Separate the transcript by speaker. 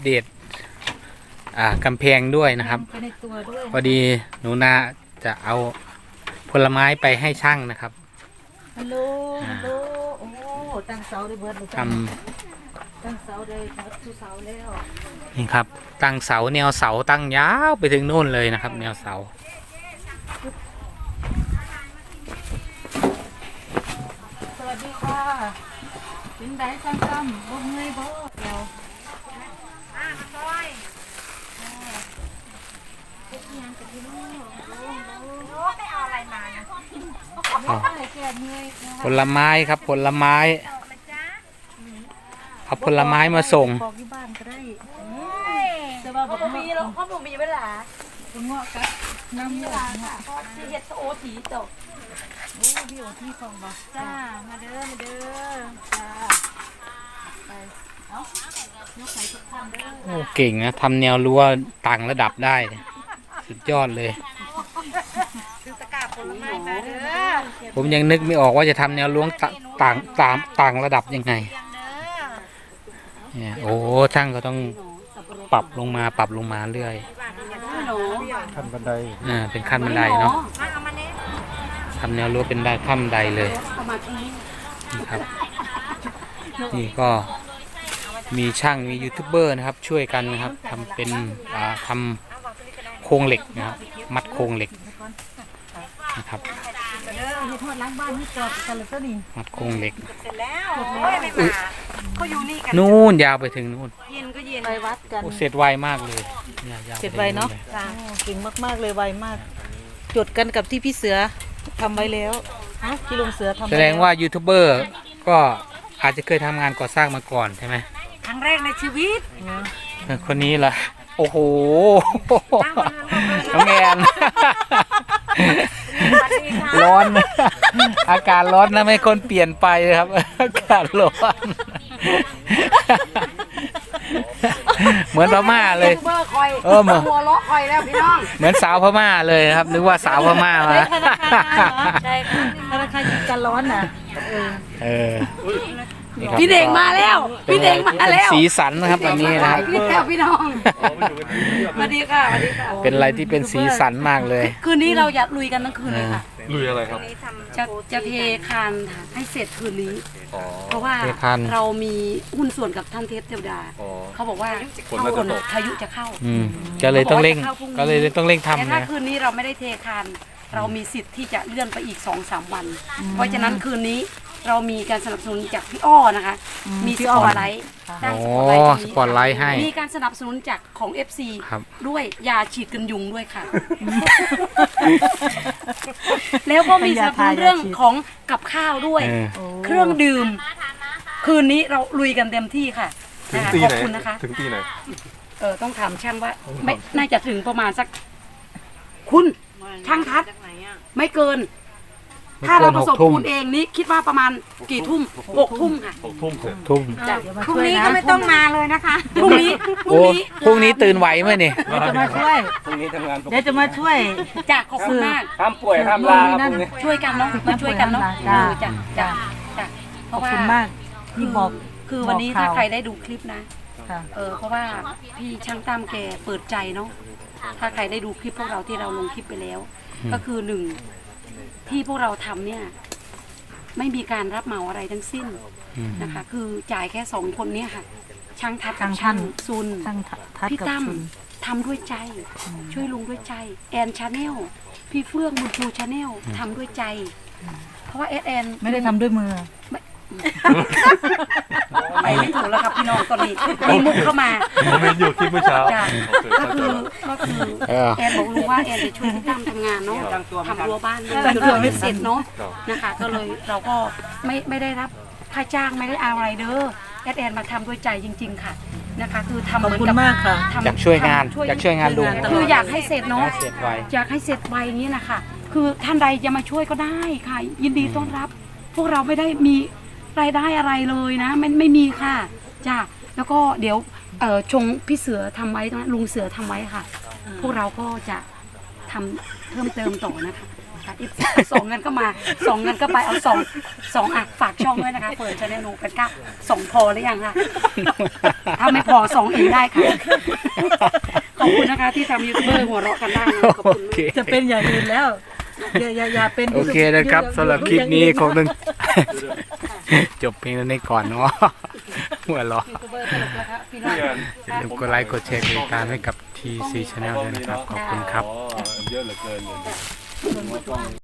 Speaker 1: เดตกำแพงด้วยนะครับพอดีหนูนาจะเอาผลไม้ไปให้ช่างนะครับ
Speaker 2: ฮัลโหลฮัลโหลโอ้ตั้งเสาได้เบิดเลยตั้งเสาได้เบิดทุกเสาแล้ว
Speaker 1: นี่ครับตั้งเสาแนวเสาตั้งยาวไปถึงโน่นเลยนะครับแนวเสา
Speaker 2: สวัสดีค่ะเป็นไดช่างตั้มบ่เมื่อยบ่เดี๋ยวมาซอยพวกงานกับพี่น้องโอ้ได้เอาอะไรมาเนี่ย
Speaker 1: ผลไม้ครับผลไม้เอาผลไม้มาส่ง
Speaker 2: บอกที่บ้านก็ได้แต่ว่าบอกมีเราพ่อผมมีเวลาคุณเงาะกับน้ำเยอะค่ะที่เฮ็ดโอทีตกโอ้พี่โอทีของบ่จ้ามาเด้อจ้าไปเอ้ายกไข่ทุกท่านเด้อ
Speaker 1: โอ้เก่งนะทำแนวรั้วต่างระดับได้สุดยอดเลยผมยังนึกไม่ออกว่าจะทำแนวล้วงต่างระดับยังไงเนี่ยโอ้ช่างก็ต้องปรับลงมาเรื่อย
Speaker 3: ขั้นบันได
Speaker 1: เป็นขั้นบันไดเนาะทำแนวรั้วเป็นได้ขั้นบันไดเลยนี่ครับนี่ก็มีช่างมียูทูบเบอร์นะครับช่วยกันนะครับทำเป็นทำโครงเหล็กนะครับมัดโครงเหล็กนะครับมัดโครงเหล็กนู่นยาวไปถึงนู่น
Speaker 2: เย็นก็เย็นไปวัดกัน
Speaker 1: เสร็จไวมากเลย
Speaker 2: เสร็จไวเนาะเก่งมากๆเลยไวมากจดกันกับที่พี่เสือทำไว้แล้วที่ลุงเสือทำ
Speaker 1: แสดงว่ายูทูบเบอร์ก็อาจจะเคยทำงานก่อสร้างมาก่อนใช่ไหม
Speaker 2: ครั้งแรกในชีวิต
Speaker 1: คนนี้ล่ะโอ้โหน้องแอนร้อนอากาศร้อนนะไม่คนเปลี่ยนไปครับอากาศร้อนเหมือนพม่าเลย
Speaker 2: เหมือนหัวล้อคอยแล้วพี่น้อง
Speaker 1: เหมือนสาวพม่าเลยครับนึกว่าสาวพม่ามา
Speaker 2: ใช่ค่ะธนาคารกันร้อนน่ะ
Speaker 1: พี่
Speaker 2: เด็กมาแล้วพี่เด็กมาแล้ว
Speaker 1: สีสันนะครับอันนี้นะครับ
Speaker 2: พี่น้องสวัสดีค่ะสวัสดีค่ะ
Speaker 1: เป็นอะไรที่เป็นสีสันมากเลย
Speaker 2: คืนนี้เราอยากลุยกันทั้งคืนเลยค่ะ
Speaker 3: ลุยอะไรครับ
Speaker 2: จะเทคานให้เสร็จคืนนี้เพราะว่าเรามีหุ้นส่วนกับท่านเทพเทวดาเขาบอกว่าฝนพายุจะเข้า
Speaker 1: ก็เลยต้องเร่งทำ
Speaker 2: แต่ถ้าคืนนี้เราไม่ได้เทคานเรามีสิทธิ์ที่จะเลื่อนไปอีก 2-3 วันเพราะฉะนั้นคืนนี้เรามีการสนับสนุนจากพี่อ้อนะคะมีสปอตไลท์
Speaker 1: สปอตไลท์ให้
Speaker 2: มีการสนับสนุนจากของ FC ด้วยยาฉีดกันยุงด้วยค่ะแล้วก็มีสนับสนุนเรื่องของกับข้าวด้วยเครื่องดื่มคืนนี้เราลุยกันเต็มที่ค่ะขอบคุณนะคะ
Speaker 3: ถึงตีไหน
Speaker 2: ต้องถามช่างว่าไม่น่าจะถึงประมาณสักคุณช่างทัดไม่เกินถ้าเราผสมปูนเองนี่คิดว่าประมาณกี่ทุ่ม6 ทุ่มค่ะ
Speaker 1: 6 ทุ่ม
Speaker 2: พรุ่งนี้ก็ไม่ต้องมาเลยนะคะพรุ่ง
Speaker 1: นี้ตื่นไหวไหมเนี่ย
Speaker 2: จะมาช่วย
Speaker 3: พรุ่งนี้ทำงาน
Speaker 2: เดี๋ยวจะมาช่วยจากขอบคุณมาก
Speaker 3: ห้ามป่วยห้ามลา
Speaker 2: ช่วยกันเนาะมาช่วยกันเนาะจ้ะขอบคุณมากที่บอกคือวันนี้ถ้าใครได้ดูคลิปนะเพราะว่าพี่ช่างตามแกเปิดใจเนาะถ้าใครได้ดูคลิปพวกเราที่เราลงคลิปไปแล้วก็คือ1ที่พวกเราทำเนี่ยไม่มีการรับเหมาอะไรทั้งสิ้นนะคะคือจ่ายแค่2 คนเนี่ยค่ะช่างทัดกับช่างซุนพี่ตั้มทำด้วยใจช่วยลุงด้วยใจแอนชาแนลพี่เฟื่องบุญชูชาแนลทำด้วยใจเพราะว่าแอนไม่ได้ทำด้วยมือไปไม่ถูกแล้วครับพี่น้องตอนนี้มีมุกเข้ามา
Speaker 3: ผมเห็นอยู่คลิปเมื่อเช้า
Speaker 2: ก็คือแอนบอกลุงว่าแอนจะช่วยพี่ตั้มทำงานเนาะทำรั้วบ้านไม่เสร็จเนาะนะคะก็เลยเราก็ไม่ได้รับค่าจ้างไม่ได้เอาอะไรเด้อแอนมาทำด้วยใจจริงๆค่ะนะคะคือทำเหมือนกับ
Speaker 1: อยากช่วยงานลุง
Speaker 2: คืออยากให้เสร็จเนาะอยากให้เสร็จไวอย่างนี้นะคะคือท่านใดจะมาช่วยก็ได้ค่ะยินดีต้อนรับพวกเราไม่ได้มีรายได้อะไรเลยนะไม่มีค่ะจ้าแล้วก็เดี๋ยวชงพี่เสือทำไว้นะลุงเสือทำไว้ค่ะพวกเราก็จะทำเพิ่มเติมต่อนะคะค่ะอีกสองเงินก็มาสองเงินก็ไปเอาสองอ่ะฝากช่องด้วยนะคะเปิดชาแนลหนูเป็นก้าสองพอหรือยังคะถ้าไม่พอสองอีกได้ค่ะขอบคุณนะคะที่ทำยูทูบเบอร์หัวเราะกันได้นะขอบคุณ
Speaker 1: โอเค
Speaker 4: จะเป็นอย่างอื่นแล้วอย่าเป็น
Speaker 1: โอเคนะครับสำหรับคลิปนี้คงต้อง จบเพียงเท่านี้ก่อนเนาะหัวเราะ
Speaker 2: ยูทูบเบอร์ตลกแล้วครับพี่น้อง
Speaker 1: อย่าลืมกดไลค์กดแชร์กดติดตามให้กับ TC Channel ด้วยนะครับ ขอบคุณครับ
Speaker 3: เยอะเหลือเกินเลย